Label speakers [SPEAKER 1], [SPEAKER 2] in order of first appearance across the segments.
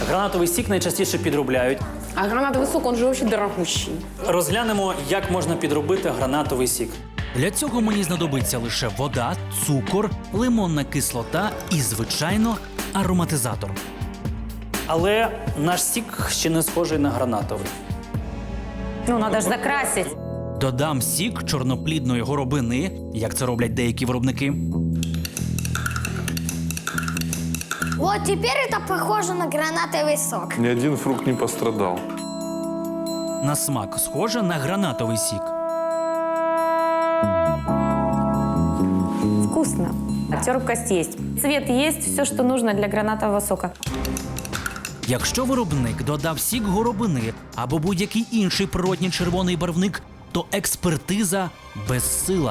[SPEAKER 1] Гранатовий сік найчастіше підробляють.
[SPEAKER 2] А гранатовый сок, он же вообще дорогущий.
[SPEAKER 1] Розглянемо, як можна підробити гранатовий сік.
[SPEAKER 3] Для цього мені знадобиться лише вода, цукор, лимонна кислота і, звичайно, ароматизатор.
[SPEAKER 1] Але наш сік ще не схожий на гранатовий.
[SPEAKER 2] Ну, надо же закрасить.
[SPEAKER 3] Додам сік чорноплідної горобини, як це роблять деякі виробники.
[SPEAKER 4] Вот теперь это похоже на гранатовый сок.
[SPEAKER 5] Ни один фрукт не пострадал.
[SPEAKER 3] На смак схоже на гранатовий сік.
[SPEAKER 2] Вкусно. Терпкость есть. Цвет есть, все, что нужно для гранатового сока.
[SPEAKER 3] Якщо виробник додав сік горобини або будь-який інший природній червоний барвник, то експертиза безсила.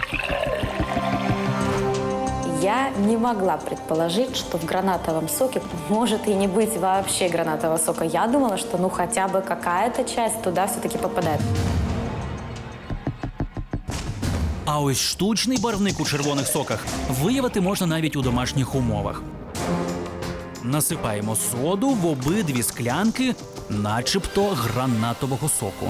[SPEAKER 2] Я не могла предположить, что в гранатовом соке может и не быть вообще гранатового сока. Я думала, что ну хотя бы какая-то часть туда все-таки попадает.
[SPEAKER 3] А ось штучний барвник у червоних соках виявити можна навіть у домашніх умовах. Насипаємо соду в обидві склянки, начебто гранатового соку.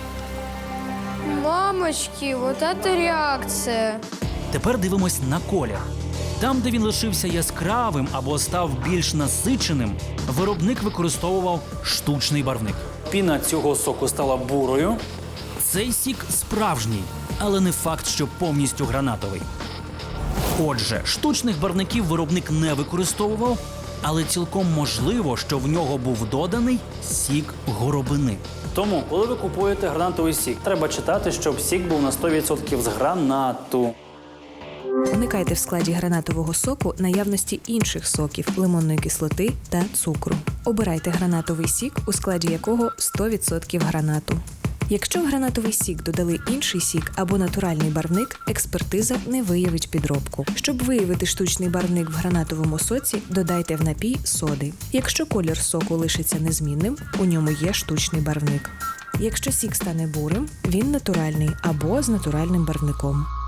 [SPEAKER 4] Мамочки, вот это реакция.
[SPEAKER 3] Тепер дивимось на колір. Там, де він лишився яскравим або став більш насиченим, виробник використовував штучний барвник.
[SPEAKER 1] Піна цього соку стала бурою.
[SPEAKER 3] Цей сік справжній, але не факт, що повністю гранатовий. Отже, штучних барвників виробник не використовував, але цілком можливо, що в нього був доданий сік горобини.
[SPEAKER 1] Тому, коли ви купуєте гранатовий сік, треба читати, щоб сік був на 100% з гранату.
[SPEAKER 6] Уникайте в складі гранатового соку наявності інших соків, лимонної кислоти та цукру. Обирайте гранатовий сік, у складі якого 100% гранату. Якщо в гранатовий сік додали інший сік або натуральний барвник, експертиза не виявить підробку. Щоб виявити штучний барвник в гранатовому соці, додайте в напій соди. Якщо колір соку лишиться незмінним, у ньому є штучний барвник. Якщо сік стане бурим, він натуральний або з натуральним барвником.